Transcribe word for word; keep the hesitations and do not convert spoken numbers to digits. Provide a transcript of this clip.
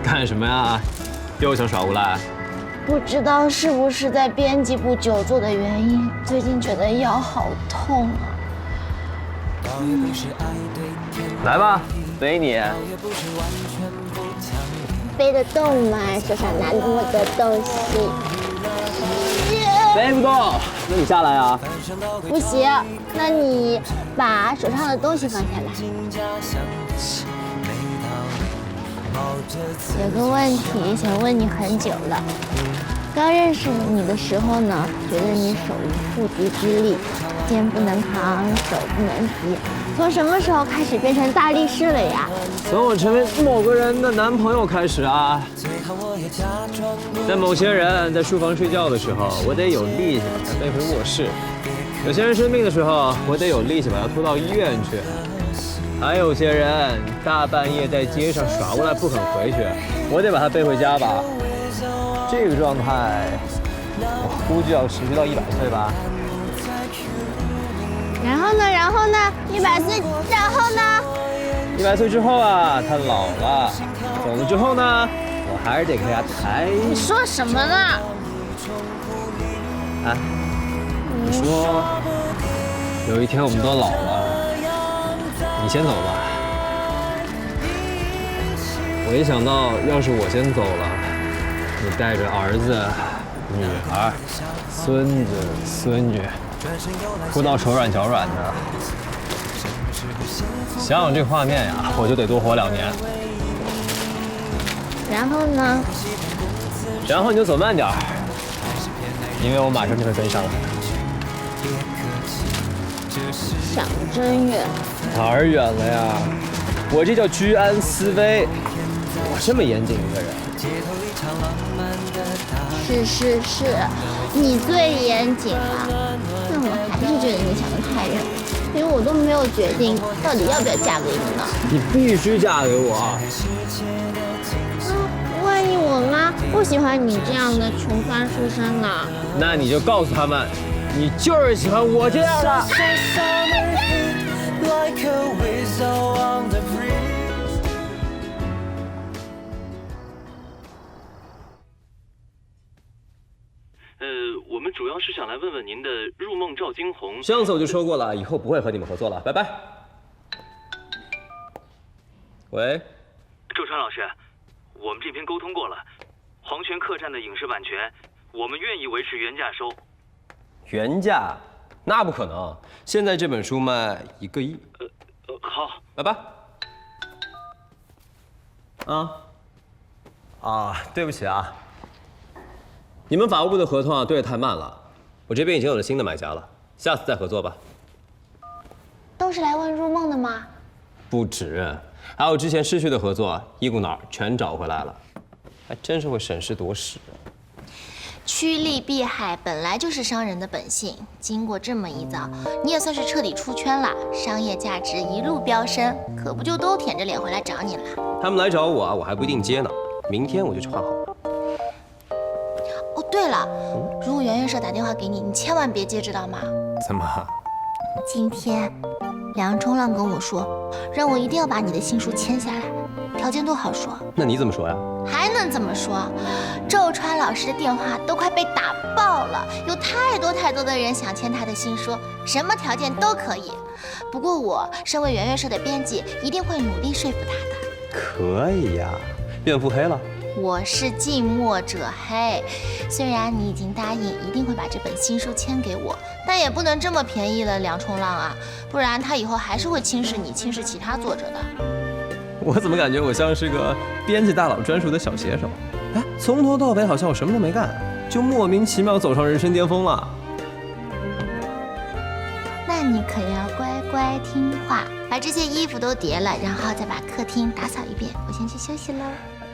干什么呀？又想耍无赖？ 不知道是不是在编辑部久坐的原因，最近觉得腰好痛啊。嗯、 来吧，背你。 背得动吗？手上拿那么多东西。 背不动，那你下来啊。 不行，那你把手上的东西放下来。有个问题想问你很久了。刚认识你的时候呢，觉得你手无缚鸡之力，肩不能扛，手不能提。从什么时候开始变成大力士了呀？ 从我成为某个人的男朋友开始啊。在某些人在书房睡觉的时候，我得有力气把他背回卧室；有些人生病的时候，我得有力气把他拖到医院去；还有些人大半夜在街上耍无赖不肯回去，我得把他背回家吧。这个状态，我估计要持续到一百岁吧。 然后呢？然后呢？一百岁，然后呢？ 一百岁之后啊，他老了，走了之后呢，我还是得给他抬。 你说什么呢？ 啊？你说，有一天我们都老了，你先走吧。我一想到要是我先走了。你带着儿子、女儿、孙子、孙女，哭到手软脚软的，想想这画面呀，我就得多活两年。 然后呢？ 然后你就走慢点儿，因为我马上就会跟上来。 想真远。 哪儿远了呀？我这叫居安思危。我这么严谨一个人。 是是是，你最严谨了。但我还是觉得你想得太远，因为我都没有决定到底要不要嫁给你呢。 你必须嫁给我。 嗯，万一我妈不喜欢你这样的穷酸书生呢？ 那你就告诉他们，你就是喜欢我这样的。 呃，我们主要是想来问问您的入梦赵惊鸿。 上次我就说过了，以后不会和你们合作了，拜拜。喂， 周川老师，我们这边沟通过了，黄泉客栈的影视版权，我们愿意维持原价收。 原价？那不可能，现在这本书卖一个亿。 呃呃，好， 拜拜。啊啊，对不起啊。你们法务部的合同啊，对得太慢了，我这边已经有了新的买家了，下次再合作吧。 都是来问入梦的吗？ 不止，还有之前失去的合作，一股脑全找回来了，还真是会审时度势。 趋利避害本来就是商人的本性，经过这么一遭，你也算是彻底出圈了，商业价值一路飙升，可不就都舔着脸回来找你了？ 他们来找我啊，我还不一定接呢，明天我就去换号。 哦，对了，如果圆圆社打电话给你，你千万别接，知道吗？ 怎么？ 今天梁冲浪跟我说，让我一定要把你的新书签下来，条件都好说。 那你怎么说呀？ 还能怎么说？周川老师的电话都快被打爆了，有太多太多的人想签他的新书，什么条件都可以。不过我身为圆圆社的编辑，一定会努力说服他的。 可以呀，变腹黑了。 我是近墨者黑，虽然你已经答应一定会把这本新书签给我，但也不能这么便宜了梁冲浪啊，不然他以后还是会轻视你，轻视其他作者的。 我怎么感觉我像是个编辑大佬专属的小写手？哎，从头到尾好像我什么都没干，就莫名其妙走上人生巅峰了。 那你可要乖乖听话，把这些衣服都叠了，然后再把客厅打扫一遍。我先去休息喽。